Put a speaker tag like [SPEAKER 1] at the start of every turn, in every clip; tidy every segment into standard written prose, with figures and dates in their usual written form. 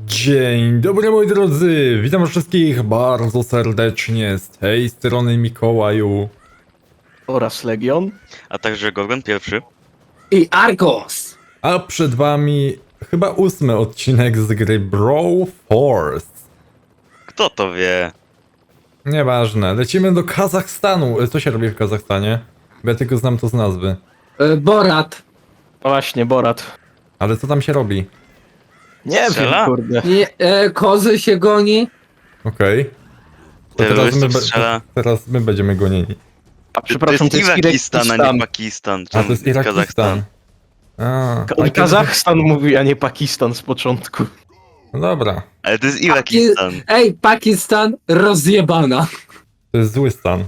[SPEAKER 1] Dzień dobry moi drodzy, witam wszystkich bardzo serdecznie z tej strony Mikołaju.
[SPEAKER 2] Oraz Legion.
[SPEAKER 3] A także Gorgon pierwszy.
[SPEAKER 2] I Argos!
[SPEAKER 1] A przed wami chyba 8 odcinek z gry Brawl Force.
[SPEAKER 3] Kto to wie?
[SPEAKER 1] Nieważne, lecimy do Kazachstanu. Co się robi w Kazachstanie? Bo ja tylko znam to z nazwy.
[SPEAKER 4] Borat.
[SPEAKER 2] No właśnie, Borat.
[SPEAKER 1] Ale co tam się robi?
[SPEAKER 2] Nie
[SPEAKER 3] Strzela?
[SPEAKER 2] wiem, kurde.
[SPEAKER 4] Nie, kozy się goni.
[SPEAKER 1] Okej. To
[SPEAKER 3] Terrorystów strzela.
[SPEAKER 1] teraz my będziemy gonieni.
[SPEAKER 2] A przepraszam,
[SPEAKER 3] to jest Irakistan, a nie Pakistan.
[SPEAKER 1] A to jest Irakistan. A,
[SPEAKER 2] Kazachstan mówi, a nie Pakistan z początku.
[SPEAKER 1] no dobra,
[SPEAKER 3] Ale to jest Irakistan.
[SPEAKER 4] Ej, Pakistan rozjebana.
[SPEAKER 1] to jest zły stan.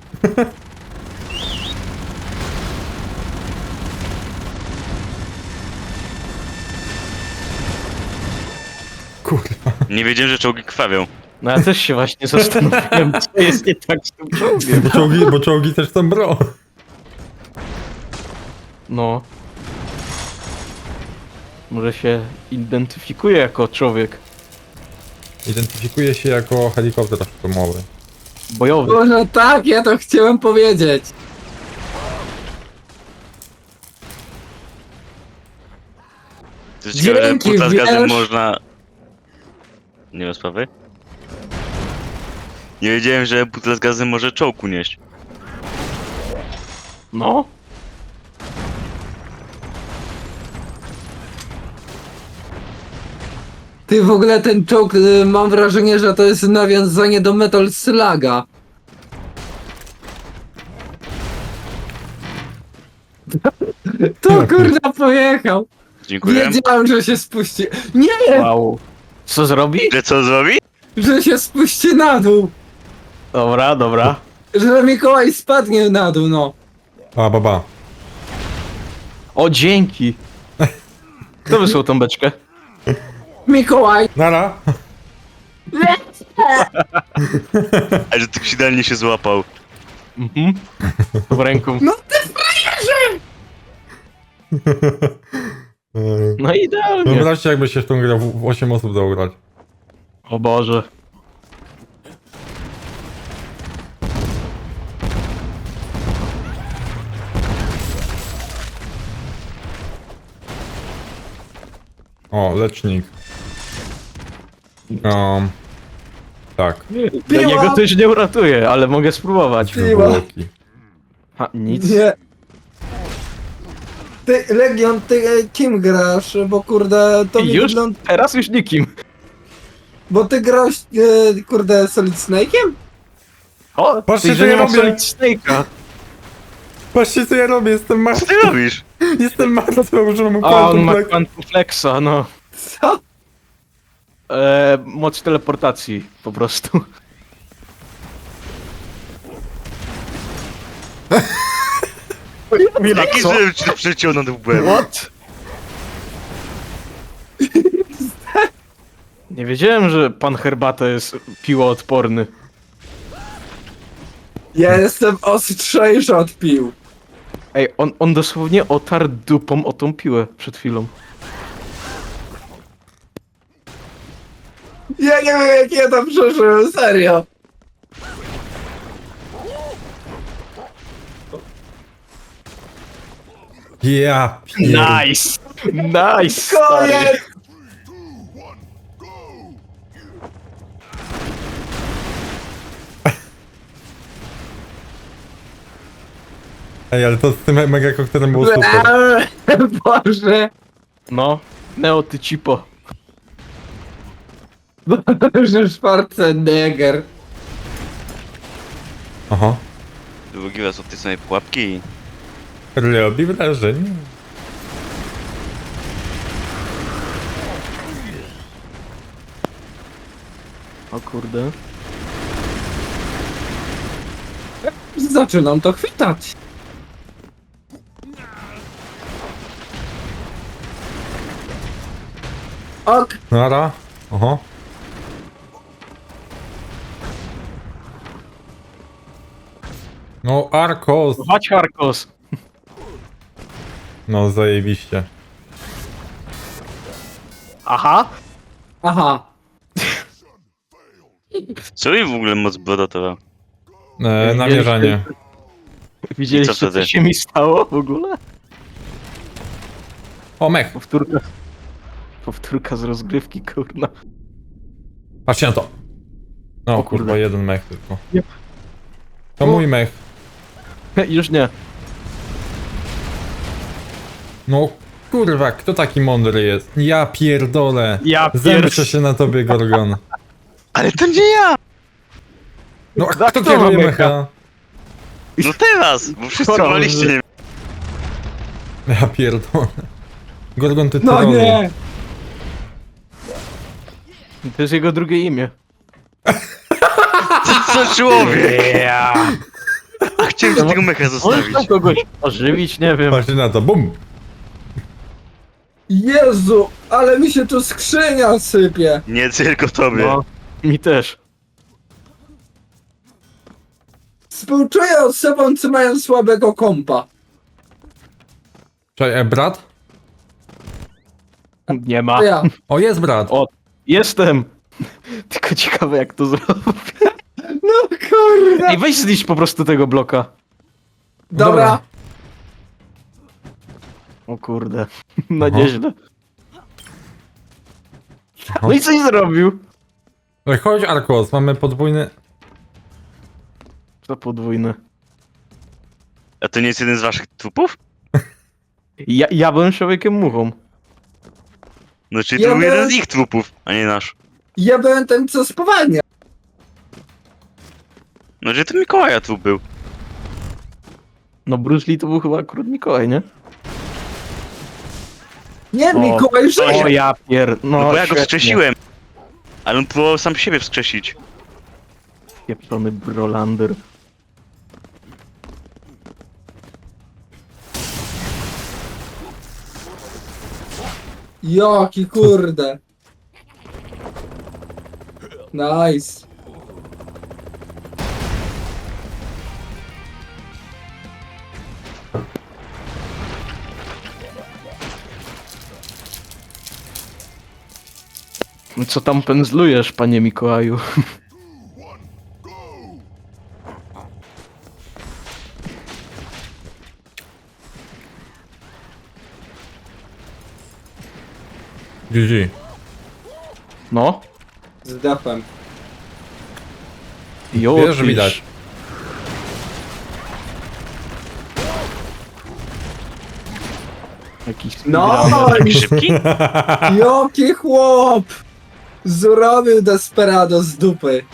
[SPEAKER 1] Kurwa.
[SPEAKER 3] Nie wiedziałem, że czołgi krwawią.
[SPEAKER 2] No ja też się właśnie zastanawiam, co jest nie tak z tym czołgiem.
[SPEAKER 1] Bo czołgi też są bro.
[SPEAKER 2] No. Może się identyfikuje jako człowiek
[SPEAKER 1] Identyfikuje się jako helikopter atomowy.
[SPEAKER 2] bojowy.
[SPEAKER 4] Może tak, ja to chciałem powiedzieć.
[SPEAKER 3] To jest ciekawe, że
[SPEAKER 4] Dzięki,
[SPEAKER 3] buta z gazem
[SPEAKER 4] wiesz?
[SPEAKER 3] można... Nie ma sprawy? Nie wiedziałem, że butel z gazem może czołg unieść.
[SPEAKER 2] No.
[SPEAKER 4] Ty w ogóle ten czołg, mam wrażenie, że to jest nawiązanie do Metal Sluga. To kurna pojechał.
[SPEAKER 3] Dziękuję.
[SPEAKER 4] Wiedziałem, że się spuści. Nie!
[SPEAKER 2] Wow. Co zrobi?
[SPEAKER 3] Ile co zrobi?
[SPEAKER 4] Że się spuści na dół.
[SPEAKER 2] Dobra, dobra.
[SPEAKER 4] Że Mikołaj spadnie na dół, no.
[SPEAKER 1] A, baba.
[SPEAKER 2] O, dzięki. Kto wysłał tą beczkę?
[SPEAKER 4] Mikołaj.
[SPEAKER 1] Nara.
[SPEAKER 3] A że tak idealnie się złapał.
[SPEAKER 2] Mhm. W ręką.
[SPEAKER 4] No ty frajerze!
[SPEAKER 2] No idealnie.
[SPEAKER 1] Wyobraźcie, jakby się w tą grę w 8 osób dało grać.
[SPEAKER 2] O Boże.
[SPEAKER 1] O, lecznik. Tak.
[SPEAKER 2] Dla niego to już nie uratuje, ale mogę spróbować.
[SPEAKER 4] Piła.
[SPEAKER 1] Zwłoki.
[SPEAKER 2] Ha, nic.
[SPEAKER 4] Nie. Ty, Legion, ty kim grasz? Bo kurde, to mi
[SPEAKER 2] Już?
[SPEAKER 4] wygląda...
[SPEAKER 2] Teraz już nikim.
[SPEAKER 4] Bo ty grałeś, kurde, Solid Snake'iem?
[SPEAKER 2] O,
[SPEAKER 1] Patrzcie,
[SPEAKER 2] ty,
[SPEAKER 1] co
[SPEAKER 2] że
[SPEAKER 1] ja
[SPEAKER 2] nie ma
[SPEAKER 1] robię.
[SPEAKER 2] Solid Snake'a.
[SPEAKER 1] Patrzcie, co ja robię, jestem
[SPEAKER 3] Co
[SPEAKER 1] martwy.
[SPEAKER 3] ty robisz?
[SPEAKER 1] Jestem martwy, używam
[SPEAKER 2] A, on ma
[SPEAKER 1] Quantum
[SPEAKER 2] Quantum Flexa, no.
[SPEAKER 4] Co?
[SPEAKER 2] Moc teleportacji, po prostu.
[SPEAKER 3] Jaki
[SPEAKER 2] co?
[SPEAKER 3] żebym ci to przeciągnął w łeb?
[SPEAKER 2] What? Nie wiedziałem, że pan Herbata jest piłoodporny.
[SPEAKER 4] Ja jestem ostrzejszy od pił.
[SPEAKER 2] Ej, on dosłownie otarł dupą o tą piłę przed chwilą.
[SPEAKER 4] Ja nie wiem, jak ja to przeżyłem, serio.
[SPEAKER 1] Ja
[SPEAKER 2] Nice! Nice! Stary.
[SPEAKER 4] Koniec!
[SPEAKER 1] Ej, ale to z tym mega koktajlem było super.
[SPEAKER 4] Boże.
[SPEAKER 2] No, Neo ty cipo.
[SPEAKER 4] Boże, Schwarzenegger.
[SPEAKER 1] Aha.
[SPEAKER 3] Drugi raz od tej samej pułapki.
[SPEAKER 1] Robi wrażenie.
[SPEAKER 2] O kurde.
[SPEAKER 4] Zaczynam to chwytać. Ok.
[SPEAKER 1] Nara. Aha. No, Arcos.
[SPEAKER 2] Chodź Harkos.
[SPEAKER 1] No, zajebiście.
[SPEAKER 2] Aha.
[SPEAKER 4] Aha.
[SPEAKER 3] Co mi w ogóle moc brodotowa?
[SPEAKER 1] Namierzanie.
[SPEAKER 3] I co
[SPEAKER 2] Widzieliście,
[SPEAKER 3] wtedy?
[SPEAKER 2] co się mi stało w ogóle?
[SPEAKER 1] O, mech.
[SPEAKER 2] Powtórka. Powtórka z rozgrywki, kurna.
[SPEAKER 1] Patrzcie na to. No,
[SPEAKER 2] O kurde.
[SPEAKER 1] kurwa, jeden mech tylko.
[SPEAKER 2] Nie.
[SPEAKER 1] To mój mech.
[SPEAKER 2] Już nie.
[SPEAKER 1] No, kurwa, kto taki mądry jest? Ja pierdolę.
[SPEAKER 2] Ja
[SPEAKER 1] Zemszczę się na tobie, Gorgon.
[SPEAKER 3] Ale to nie ja!
[SPEAKER 1] No, a
[SPEAKER 2] Tak,
[SPEAKER 1] kto
[SPEAKER 2] kto
[SPEAKER 1] kieruje
[SPEAKER 2] ma
[SPEAKER 1] mecha?
[SPEAKER 3] No teraz! Bo wszyscy
[SPEAKER 2] Choroby.
[SPEAKER 3] waliście.
[SPEAKER 1] Ja pierdolę. Gorgon, ty
[SPEAKER 4] No
[SPEAKER 1] trollu.
[SPEAKER 4] nie!
[SPEAKER 2] To jest jego drugie imię.
[SPEAKER 3] Co człowiek? A chciałem się tego mecha
[SPEAKER 2] Możesz
[SPEAKER 3] zostawić.
[SPEAKER 2] tam kogoś ożywić, nie wiem.
[SPEAKER 1] Patrzcie na to, bum.
[SPEAKER 4] Jezu, ale mi się tu skrzynia sypie.
[SPEAKER 3] Nie tylko tobie.
[SPEAKER 2] No, mi też.
[SPEAKER 4] Współczuję osobom, co mają słabego kompa.
[SPEAKER 1] Czekaj, brat?
[SPEAKER 2] Nie ma.
[SPEAKER 4] To ja.
[SPEAKER 1] O, jest brat.
[SPEAKER 2] O, jestem. Tylko ciekawe jak to zrobię.
[SPEAKER 4] No kurde.
[SPEAKER 2] Ej, weź zniszcz po prostu tego bloka.
[SPEAKER 4] Dobra.
[SPEAKER 2] O kurde. No
[SPEAKER 1] Aha.
[SPEAKER 2] nieźle.
[SPEAKER 1] Aha.
[SPEAKER 2] No i coś zrobił.
[SPEAKER 1] Ej, chodź, Arkos, mamy podwójny...
[SPEAKER 2] To podwójne.
[SPEAKER 3] A to nie jest jeden z waszych trupów?
[SPEAKER 2] Ja byłem człowiekiem muchą.
[SPEAKER 3] No czyli
[SPEAKER 4] Ja
[SPEAKER 3] to był jeden
[SPEAKER 4] byłem-
[SPEAKER 3] z ich trupów, a nie nasz.
[SPEAKER 4] Ja byłem ten, co spowalnia.
[SPEAKER 3] No czyli to Mikołaja trup był.
[SPEAKER 2] No Bruce Lee to był chyba akurat Mikołaj, nie?
[SPEAKER 4] Nie,
[SPEAKER 2] O,
[SPEAKER 4] Mikołaj
[SPEAKER 2] O
[SPEAKER 4] żyje.
[SPEAKER 2] ja pier...
[SPEAKER 3] No bo ja go
[SPEAKER 2] świetnie.
[SPEAKER 3] wskrzesiłem. Ale on próbował sam siebie wskrzesić.
[SPEAKER 2] Pieprzony Brolander.
[SPEAKER 4] Jaki kurde. Nice.
[SPEAKER 2] Co tam pędzlujesz, panie Mikołaju?
[SPEAKER 1] GG.
[SPEAKER 2] No?
[SPEAKER 4] Zdechłem.
[SPEAKER 2] Jo,
[SPEAKER 1] Wiesz,
[SPEAKER 2] tyż.
[SPEAKER 1] widać.
[SPEAKER 2] Jakiś
[SPEAKER 4] No,
[SPEAKER 3] Taki szybki?
[SPEAKER 4] jaki chłop. Zrobił desperado z dupy.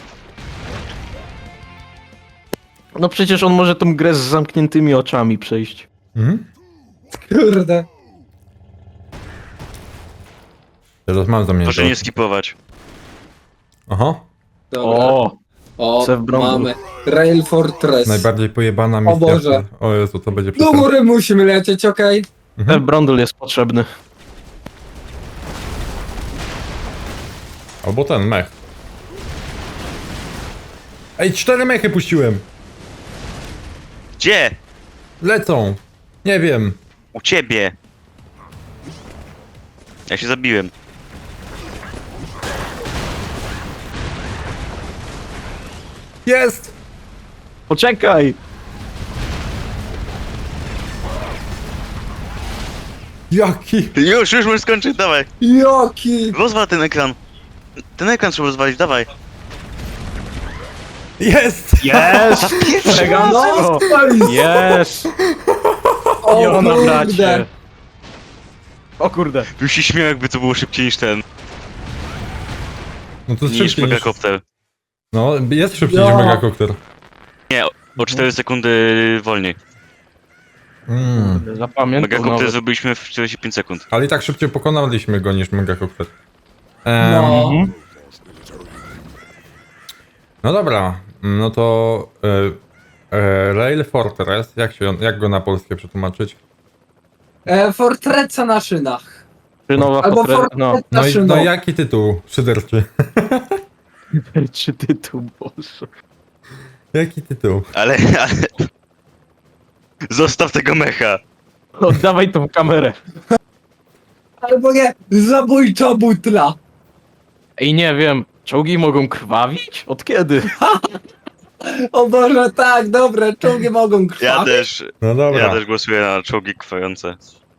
[SPEAKER 2] No przecież on może tą grę z zamkniętymi oczami przejść.
[SPEAKER 1] Mhm.
[SPEAKER 4] Kurde.
[SPEAKER 1] Teraz mam zamiar.
[SPEAKER 3] Proszę nie skipować.
[SPEAKER 1] Aha.
[SPEAKER 4] Dobra. O,
[SPEAKER 2] Sef Bromwell.
[SPEAKER 4] mamy. Rail Fortress.
[SPEAKER 1] Najbardziej pojebana misja.
[SPEAKER 4] Boże.
[SPEAKER 1] O Jezu, to będzie
[SPEAKER 4] Do
[SPEAKER 1] przestań.
[SPEAKER 4] góry musimy lecieć, okej?
[SPEAKER 2] Ten Brondel jest potrzebny.
[SPEAKER 1] Albo ten mech. Ej, 4 mechy puściłem.
[SPEAKER 3] Gdzie?
[SPEAKER 1] Lecą. Nie wiem.
[SPEAKER 3] U ciebie. Ja się zabiłem.
[SPEAKER 1] Jest!
[SPEAKER 2] Poczekaj!
[SPEAKER 1] Jaki?
[SPEAKER 3] Już możesz skończyć, dawaj.
[SPEAKER 4] Jaki?
[SPEAKER 3] Rozwal ten ekran. Ten ekran trzeba rozwalić, dawaj.
[SPEAKER 1] Jest!
[SPEAKER 2] Jest! Elegancko! Jest!
[SPEAKER 4] O
[SPEAKER 2] Jo na
[SPEAKER 4] kurde.
[SPEAKER 2] blacie! O kurde!
[SPEAKER 3] Już się śmiał, jakby to było szybciej niż ten.
[SPEAKER 1] No to jest
[SPEAKER 3] Niż
[SPEAKER 1] szybciej niż...
[SPEAKER 3] megakopter.
[SPEAKER 1] No, jest szybciej niż
[SPEAKER 4] Ja.
[SPEAKER 1] megakopter.
[SPEAKER 3] Nie, o 4 sekundy wolniej.
[SPEAKER 2] Zapamiętam
[SPEAKER 3] Megakopter
[SPEAKER 2] nawet.
[SPEAKER 3] zrobiliśmy w 45 sekund.
[SPEAKER 1] Ale i tak szybciej pokonaliśmy go niż megakopter.
[SPEAKER 4] No.
[SPEAKER 2] Mhm.
[SPEAKER 1] No dobra, no to Rail Fortress, jak go na polskie przetłumaczyć?
[SPEAKER 4] Fortreca na szynach.
[SPEAKER 2] Nowa
[SPEAKER 4] Albo
[SPEAKER 2] Fortress... No.
[SPEAKER 4] Fortreca
[SPEAKER 1] No i
[SPEAKER 4] szynów.
[SPEAKER 1] no jaki tytuł szyderczy?
[SPEAKER 2] Czy tytuł, Boże.
[SPEAKER 1] Jaki tytuł?
[SPEAKER 3] Ale... Zostaw tego mecha.
[SPEAKER 2] Oddawaj tą kamerę.
[SPEAKER 4] Albo nie, zabójcza butla.
[SPEAKER 2] Ej, nie wiem, czołgi mogą krwawić? Od kiedy?
[SPEAKER 4] O Boże, tak, dobre, czołgi mogą
[SPEAKER 5] Ja
[SPEAKER 4] krwawić.
[SPEAKER 5] też,
[SPEAKER 1] No dobra.
[SPEAKER 5] ja też głosuję na czołgi krwające.